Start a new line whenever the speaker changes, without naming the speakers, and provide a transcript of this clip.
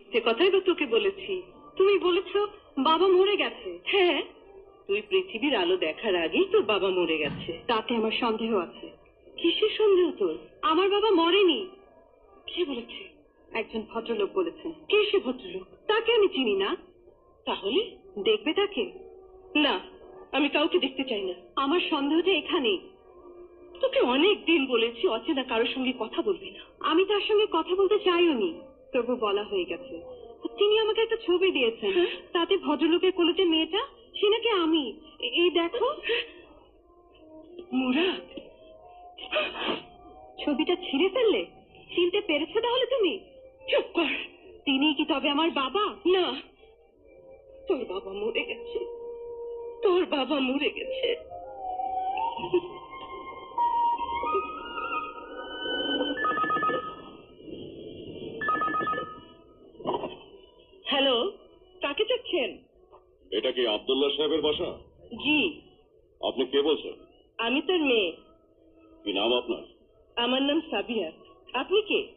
মিথ্যে কথাই তো তোকে বলেছি। তুমি বলেছো বাবা মরে গেছে। হ্যাঁ, তুই পৃথিবীর আলো দেখার আগেই তোর বাবা মরে গেছে। তাতে আমার সন্দেহ আছে। কিসের সন্দেহ তোর? আমার বাবা মরেনি। কে বলেছে? একজন ভদ্রলোক বলেছেন। কে সে ভদ্রলোক? তাকে আমি চিনি না। তাহলে দেখবে তাকে? না, আমি কাউকে দেখতে চাই না। আমার সন্দেহটা এখানেই। তোকে অনেক দিন বলেছি অচেনা কারোর সঙ্গে কথা বলবি না। আমি তার সঙ্গে কথা বলতে চাইও নি, তবু বলা হয়ে গেছে। তিনি আমাকে একটা ছবি দিয়েছেন, তাতে ভদ্রলোকের কোলে যে মেয়েটা, সে নাকি আমি। এই দেখো। মুরাদ, ছবিটা ছিঁড়ে ফেললে? চিনতে পেরেছো তাহলে তুমি? চুপ কর। তিনি কি তবে আমার বাবা? না, তোর বাবা মরে গেছে। তোর বাবা মরে গেছে। হ্যালো, কাকে চাচ্ছেন?
এটা কি আব্দুল্লাহ সাহেবের বাসা?
জি,
আপনি কে বলছেন?
আমি তার মেয়ে।
কি নাম আপনার?
আমার নাম সাবিয়া। আপনি কে?